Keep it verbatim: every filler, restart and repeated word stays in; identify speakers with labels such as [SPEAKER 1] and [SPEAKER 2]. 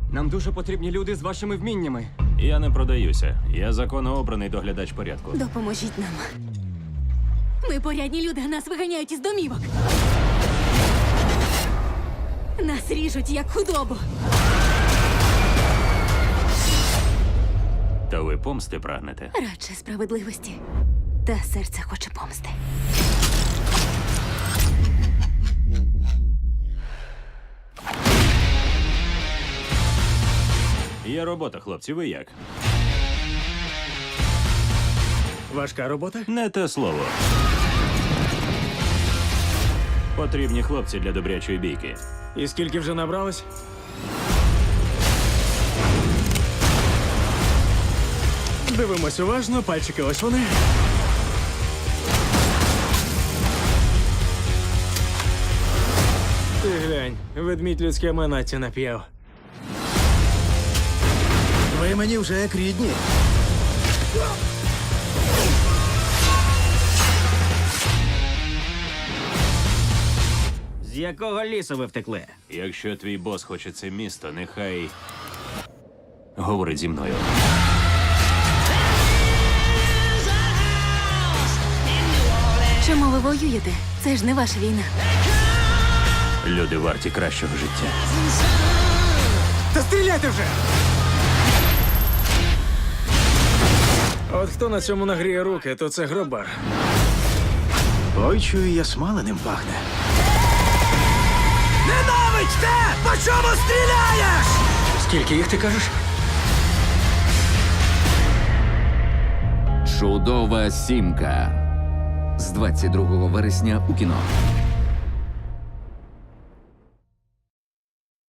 [SPEAKER 1] Нам дуже потрібні люди з вашими вміннями.
[SPEAKER 2] Я не продаюся. Я законно обраний доглядач порядку.
[SPEAKER 3] Допоможіть нам. Ми порядні люди, а нас виганяють із домівок. Нас ріжуть, як худобу.
[SPEAKER 2] Та ви помсти прагнете?
[SPEAKER 3] Радше справедливості. Та серце хоче помсти.
[SPEAKER 2] Є робота, хлопці, ви як?
[SPEAKER 4] Важка робота?
[SPEAKER 2] Не те слово. Потрібні хлопці для добрячої бійки.
[SPEAKER 4] І скільки вже набралось? Дивимось уважно, пальчики ось вони. Ти глянь, ведмідь людське манаті нап'яв.
[SPEAKER 5] Ви мені вже як рідні.
[SPEAKER 6] З якого лісу ви втекли?
[SPEAKER 2] Якщо твій бос хоче це місто, нехай говорить зі мною.
[SPEAKER 3] Чому ви воюєте? Це ж не ваша війна.
[SPEAKER 2] Люди варті кращого життя.
[SPEAKER 4] Та стріляйте вже! От хто на цьому нагріє руки, то це гробар.
[SPEAKER 5] Ой, чую, я смаленим пахне. Ненавидьте! По чому стріляєш?
[SPEAKER 4] Скільки їх ти кажеш?
[SPEAKER 7] Чудова сімка з двадцять другого вересня у кіно.